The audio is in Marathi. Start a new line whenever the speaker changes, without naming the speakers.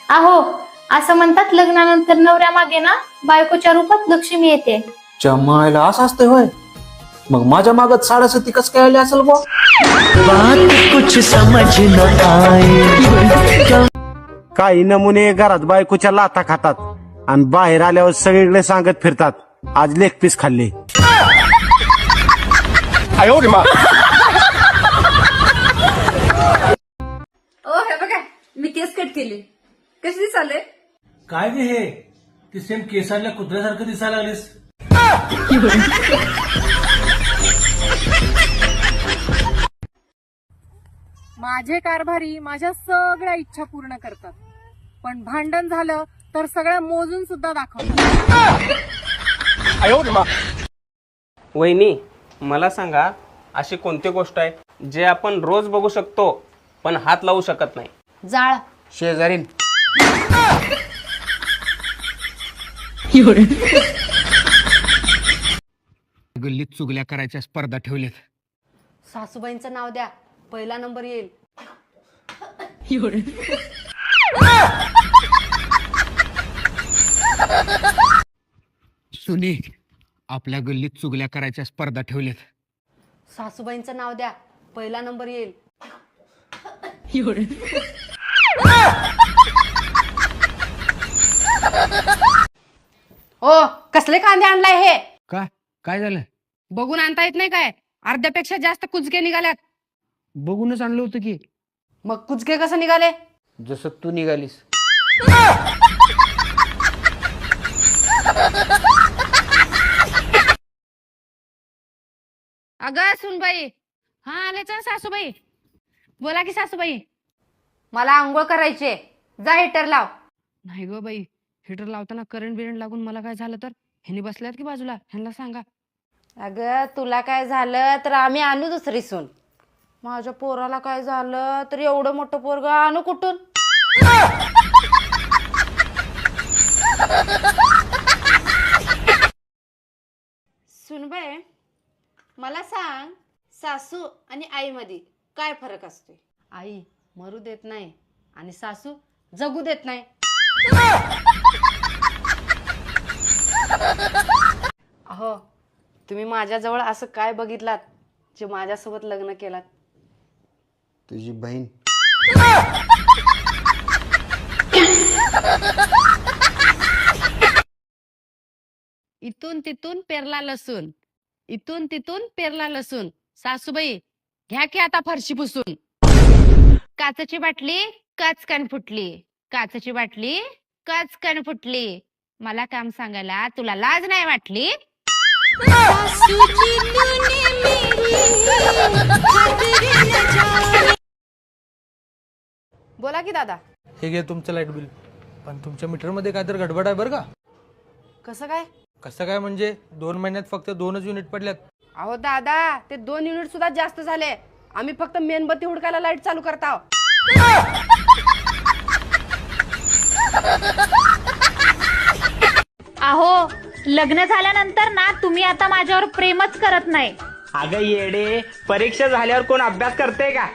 अहो, असं म्हणतात लग्नानंतर नवऱ्या मागे ना बायकोच्या रूपात लक्ष्मी येते.
जमायला असं असतंय होय. मग माझ्या मागत 7:30 कस काय आले असेल बा?
काही नमुने घरात बायकोच्या लाथा खातात आणि बाहेर आल्यावर सगळीकडे सांगत फिरतात आज लेग पीस खाल्ले.
ओ हे बघा मी केस कट केली. कशी दिसाले?
काय गे हे ती सेम केसांच्या कुत्र्यासारखं दिसायला लागलीस.
माझे कारभारी माझ्या सगळ्या इच्छा पूर्ण करतात, पण भांडण झालं तर सगळ्या मोजून सुद्धा दाखवतात.
वहिनी, मला सांगा अशी कोणती गोष्ट आहे जे आपण रोज बघू शकतो पण हात लावू शकत नाही?
जाळ.
शेजारीन.
गल्लीत चुगल्या करायच्या स्पर्धा ठेवल्यात.
सासूबाईंचं नाव द्या, पहिला नंबर येईल.
सुने, आपल्या गल्लीत चुगल्या करायच्या स्पर्धा ठेवल्यात.
सासूबाईंचं नाव द्या, पहिला नंबर येईल. ओ, कसले कांदे आणलाय हे?
काय झालं?
बघून आणता येत नाही काय? अर्ध्यापेक्षा जास्त कुचके निघाल्यात.
बघूनच आणलं होतं की.
मग कुचके कसं निघाले?
जसं तू निघालीस.
अगं सुनबाई. हा आले तर सासूबाई. बोला की सासूबाई. मला आंघोळ करायचे, जा हिटर लाव. नाही ग बाई, हिटर लावताना करंट बिरंट लागून मला काय झालं तर? ह्यांनी बसल्यात की बाजूला, ह्यांना सांगा. अगं तुला काय झालं तर आम्ही आणू दुसरी सून. माझ्या पोराला काय झालं तर एवढं मोठं पोरग आणू कुठून? सुनबाई, मला सांग, सासू आणि आई मध्ये काय फरक असतो? आई मरू देत नाही आणि सासू जगू देत नाही. अहो, तुम्ही माझ्याजवळ असं काय बघितलात जे माझ्यासोबत लग्न केलात?
तुझी बहीण.
इथून तिथून पेरला लसूण, इथून तिथून पेरला लसूण. सासूबाई घ्या की आता फरशी पुसून. काचेची बाटली कचकन फुटली, काचेची बाटली कचकन फुटली. मला काम सांगायला तुला लाज नाही वाटली? बोला की दादा.
हे घे तुमचं लाईट बिल. पण तुमच्या मीटरमध्ये काय तर गडबड आहे बरं का.
कसं काय?
कसं काय म्हणजे 2 महिन्यात फक्त 2च युनिट पडल्यात.
अहो दादा, ते 2 युनिट सुद्धा जास्त झाले. आम्ही फक्त मेणबत्ती हुडकायला लाईट चालू करताव.
अहो, लग्न झाल्यानंतर ना तुम्ही आता माझ्यावर प्रेमच करत नाही.
अगं येडे, परीक्षा झाल्यावर कोण अभ्यास करते का?